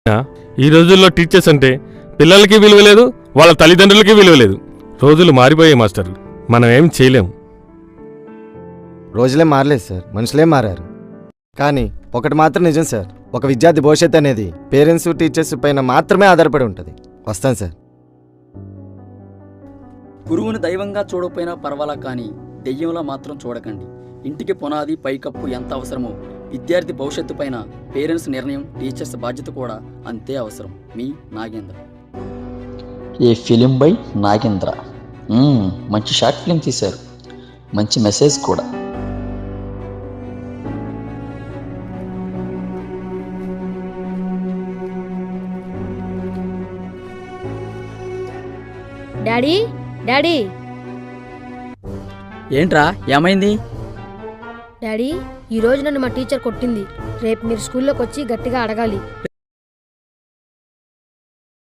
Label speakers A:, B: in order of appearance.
A: ఈ రోజుల్లో టీచర్స్ అంటే పిల్లలకి విలువ లేదు, వాళ్ళ తల్లిదండ్రులకి విలువ లేదు. రోజులు మారిపోయాయి మాస్టర్, మనం ఏం చేయలేము.
B: రోజులే మారలేదు సార్, మనుషులే మారారు. కానీ ఒకటి మాత్రం నిజం సార్, ఒక విద్యార్థి భవిష్యత్తు అనేది పేరెంట్స్ టీచర్స్ పైన మాత్రమే ఆధారపడి ఉంటుంది. వస్తాను సార్.
C: గురువుని దైవంగా చూడకపోయినా పర్వాలా, కానీ దెయ్యంలా మాత్రం చూడకండి. ఇంటికి పునాది పైకప్పు ఎంత అవసరమో విద్యార్థి భవిష్యత్తు పైన పేరెంట్స్ నిర్ణయం, టీచర్స్ బాధ్యత కూడా అంతే అవసరం. మీ Nagendra.
D: A film by Nagendra. మంచి షార్ట్ ఫిలిం తీశారు, మంచి మెసేజ్ కూడా.
E: డాడీ డాడీ
C: ఏంట్రా, ఏమైంది?
E: డాడీ, ఈరోజు నన్ను మా టీచర్ కొట్టింది. రేపు మీరు స్కూల్లోకి వచ్చి గట్టిగా అడగాలి.